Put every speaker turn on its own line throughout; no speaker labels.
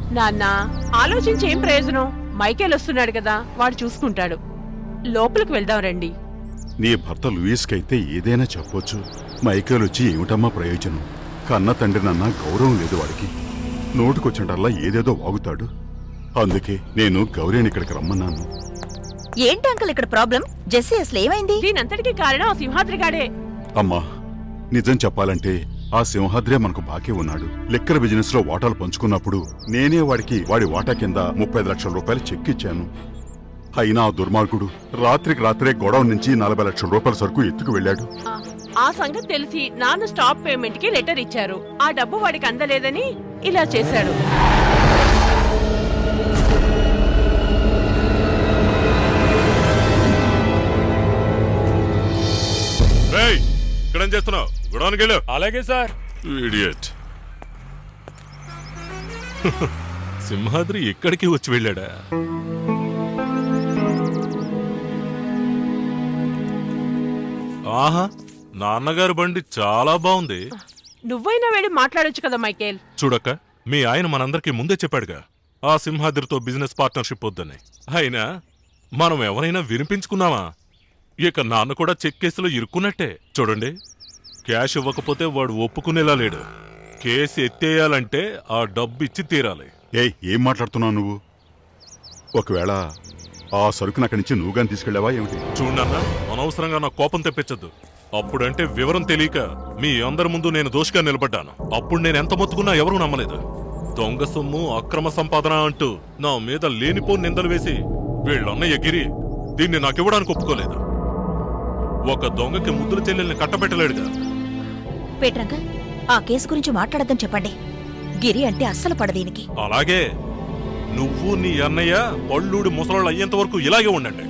నాన్న ఆలోచించి ఏం ప్రయోజనం? మైకేల్ వస్తున్నాడు కదా, వాడు చూసుకుంటాడు. లోపలికి వెళ్దాం రండి.
నీ భర్త లూయిస్కైతే ఏదైనా చెప్పొచ్చు. మైకేల్ వచ్చి ఏమిటమ్మా ప్రయోజనం? కన్న తండ్రినన్నా గౌరవం లేదు వాడికి. నోటుకొచ్చినటల్లా ఏదేదో వాగుతాడు. అందుకే నేను గౌరీని ఇక్కడికి రమ్మన్నాను.
ఏంటి అంకుల్ ఇక్కడ ప్రాబ్లం? జెస్సీ అసలు ఏమైంది?
దీనంతటికీ కారణం ఆ సింహాద్రిగాడే.
అమ్మా, నిజం చెప్పాలంటే ఆ సింహాద్రే మనకు బాకీ ఉన్నాడు. లిక్కర్ బిజినెస్ లో వాటాలు పంచుకున్నప్పుడు నేనే వాడికి వాడి వాటా కింద 35 లక్షల రూపాయలు చెక్ ఇచ్చాను. అయినా ఆ దుర్మార్గుడు రాత్రికి రాత్రే గొడవ నుంచి 40 లక్షల రూపాయల సరుకు ఎత్తుకు వెళ్ళాడు.
ఆ సంగతి తెలిసి నాన్న స్టాప్ పేమెంట్ కి లెటర్ ఇచ్చారు. ఆ డబ్బు వాడికి అందలేదని ఇలా చేశాడు.
ఇక్కడేం చేస్తున్నావు? గొడవనికి వెళ్ళు.
అలాగే సార్.
ఇడియట్. సింహాద్రి ఎక్కడికి వచ్చి వెళ్ళాడా? ఆహా, నాన్నగారు బండి చాలా బాగుంది.
నువ్వైనా వెళ్ళి మాట్లాడొచ్చు కదా మైకేల్.
చూడక్క, మీ ఆయన మనందరికీ ముందే చెప్పాడుగా ఆ సింహాద్రితో బిజినెస్ పార్ట్నర్షిప్ వద్దని. అయినా మనం ఎవరైనా వినిపించుకున్నావా? ఇక నాన్న కూడా చెక్ కేసులో ఇరుక్కున్నట్టే. చూడండి, క్యాష్ ఇవ్వకపోతే వాడు ఒప్పుకునేలా లేడు. కేసు ఎత్తేయాలంటే ఆ డబ్బు ఇచ్చి తీరాలి.
ఏం మాట్లాడుతున్నావు నువ్వు? ఒకవేళ ఆ సరుకుని అక్కడి నుంచి నువ్వుగాని తీసుకెళ్ళావా ఏమిటి?
చూడన్నా, అనవసరంగా నా కోపం తెప్పించద్దు. అప్పుడంటే వివరం తెలియక మీ అందరి ముందు నేను దోషిగా నిలబడ్డాను. అప్పుడు నేను ఎంత మొత్తుకున్నా ఎవరూ నమ్మలేదు. దొంగ సొమ్ము, అక్రమ సంపాదన అంటూ నా మీద లేనిపోని నిందలు వేసి వీళ్ళన్న ఎగిరి దీన్ని నాకివ్వడానికి ఒప్పుకోలేదు. ఒక దొంగకి ముద్దుల చెల్లెల్ని కట్టబెట్టలేడుగా.
పేట్రంకల్, ఆ కేసు గురించి మాట్లాడద్దని చెప్పండి. గిరి అంటే అస్సలు పడదీనికి.
అలాగే నువ్వు నీ అన్నయ్య పళ్ళూడి ముసలాళ్ళు అయ్యేంత వరకు ఇలాగే ఉండండి.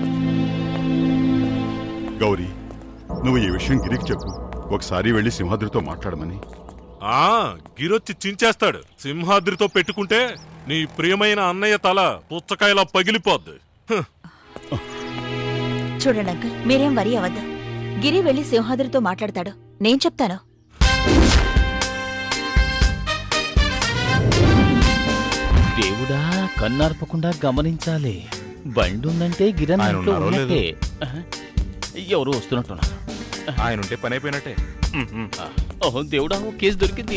గౌరీ, నువ్వు ఈ విషయం గిరికి చెప్పు. ఒకసారి వెళ్లి సింహాద్రితో మాట్లాడమని.
గిరొచ్చి చించేస్తాడు. సింహాద్రితో పెట్టుకుంటే నీ ప్రియమైన అన్నయ్య తల పుచ్చకాయలా పగిలిపోద్ది.
చూడండి అంకుల్, మీరేం వరి అవద్దు. గిరి వెళ్లి సింహాద్రితో మాట్లాడతాడు. నేను చెప్తాను.
దేవుడా, కన్నార్పకుండా గమనించాలి. బండి ఉందంటే గిరణ్ ఇంట్లో ఉన్నట్టే. ఎవరు వస్తున్నట్టున్నారు.
ఆయన ఉంటే పని అయిపోయినట్టే.
ఓహో దేవుడా, ఓ కేసు దొరికింది.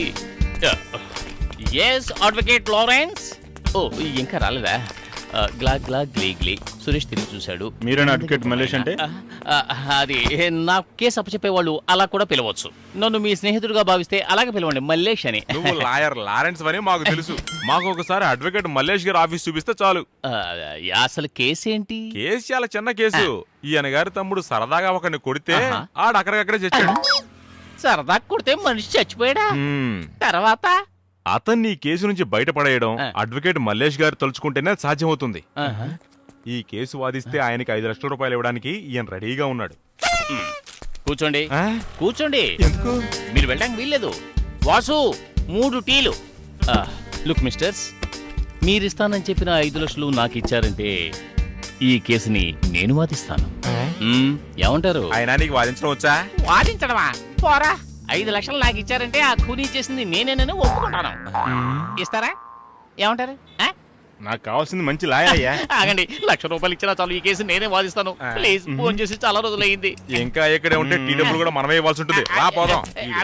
Yes advocate Lawrence. ఓ ఇంకా రాలేదా? గ్లా గ్లా గ్లీ గ్లీ. సురేష్ తిరిగి చూశాడు.
మీరేనా అడ్వకేట్ మల్లేష్ అంటే?
అది నా కేసు అప్పచెప్పేవాళ్ళు అలా కూడా పిలవచ్చు. నన్ను మీ స్నేహితుడిగా భావిస్తే అలాగే పిలవండి, మల్లేష్ అని.
నువ్వు లాయర్ లారెన్స్ అని మాకు తెలుసు. మాకు ఒకసారి అడ్వకేట్ మల్లేష్ గారి ఆఫీస్ చూపిస్తే చాలు.
అసలు కేసు ఏంటి?
కేసు చాలా చిన్న కేసు. ఈయన గారి తమ్ముడు సరదాగా ఒకరిని కొడితే ఆడు అక్కడికక్కడే చచ్చాడు.
సరదా కొడితే మనిషి చచ్చిపోయాడా? తర్వాత
అతన్ని ఈ కేసు నుంచి బయటపడేయడం అడ్వకేట్ మల్లేష్ గారు తలుచుకుంటేనే సాధ్యమవుతుంది. ఈ కేసు వాదిస్తే ఆయనకి 5 లక్షల రూపాయలు ఇవ్వడానికి ఈయన రెడీగా ఉన్నాడు.
కూర్చోండి, కూర్చోండి.
ఎందుకు?
మీరు వెళ్ళడానికి వీల్లేదు. వాసు, 3 టీలు. లుక్ మిస్టర్స్, మీరిస్తానని చెప్పిన 5 లక్షలు నాకు ఇచ్చారంటే ఈ కేసుని నేను వాదిస్తాను. ఏమంటారు?
ఆయన నీకు వాదించడం వచ్చా?
వాదించడమా? పోరా. 5 లక్షలు నాకు ఇచ్చారంటే ఆ ఖూనీ చేసింది నేనేనని ఒప్పుకుంటాను. ఇస్తారా? ఏమంటారు?
నాకు కావాల్సింది మంచి లాయర్ అయ్యా.
ఆగండి, 1 లక్ష రూపాయలు ఇచ్చినా చాలు, ఈ కేసు నేనే వాదిస్తాను. ప్లీజ్, ఫోన్ చేసి చాలా రోజులైంది.
ఇంకా ఇక్కడే ఉంటే టీ డబ్బులు కూడా మనమే ఇవ్వాల్సి ఉంటుంది. రా పోదాం.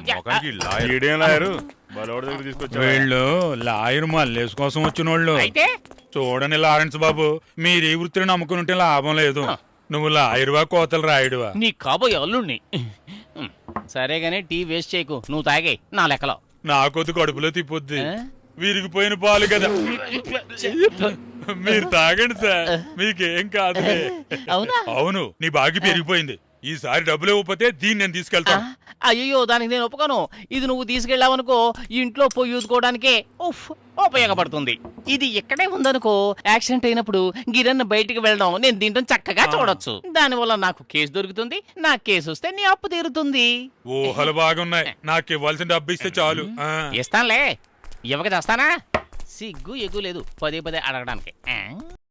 వీళ్ళు లాయర్ మల్లేష్ కోసం వచ్చిన వాళ్ళు.
అయితే
చూడని లారెన్స్ బాబు, మీరు ఈ వృత్తిని నమ్ముకుని ఉంటే లాభం లేదు. నువ్వు లాయరువా కోతలు రాయుడువా?
నీ కాబోయే అల్లుణ్ణి. సరేగానే టీ వేస్ట్ చేయకు, నువ్వు తాగే నా లెక్కలో.
నాకొద్దు, కడుపులో తిప్పొద్ది. విరిగిపోయిన పాలు కదా, మీరు తాగండి సార్, మీకేం కాదు.
అవునా?
అవును, నీ బాగి పెరిగిపోయింది. ఈసారి డబ్బులు ఇవ్వకపోతే దీన్ని నేను తీసుకెళ్తాను.
అయ్యో, దానికి నేను ఒప్పుకోను. ఇది నువ్వు తీసుకెళ్ళావనుకో, ఇంట్లో పోయి ఊదుకోవడానికే ఉపయోగపడుతుంది. ఇది ఇక్కడే ఉందనుకో, యాక్సిడెంట్ అయినప్పుడు గిరణ్ బయటికి వెళ్ళడం, నేను దీంట్లో చక్కగా చూడొచ్చు. దానివల్ల నాకు కేసు దొరుకుతుంది. నా కేసు వస్తే నీ అప్పు తీరుతుంది.
ఊహలు బాగున్నాయి. నాకు ఇవ్వాల్సిన డబ్బు ఇస్తే చాలు.
ఇస్తానులే, ఇవ్వక చేస్తానా? సిగ్గు ఎగ్గు లేదు పదే పదే అడగడానికి.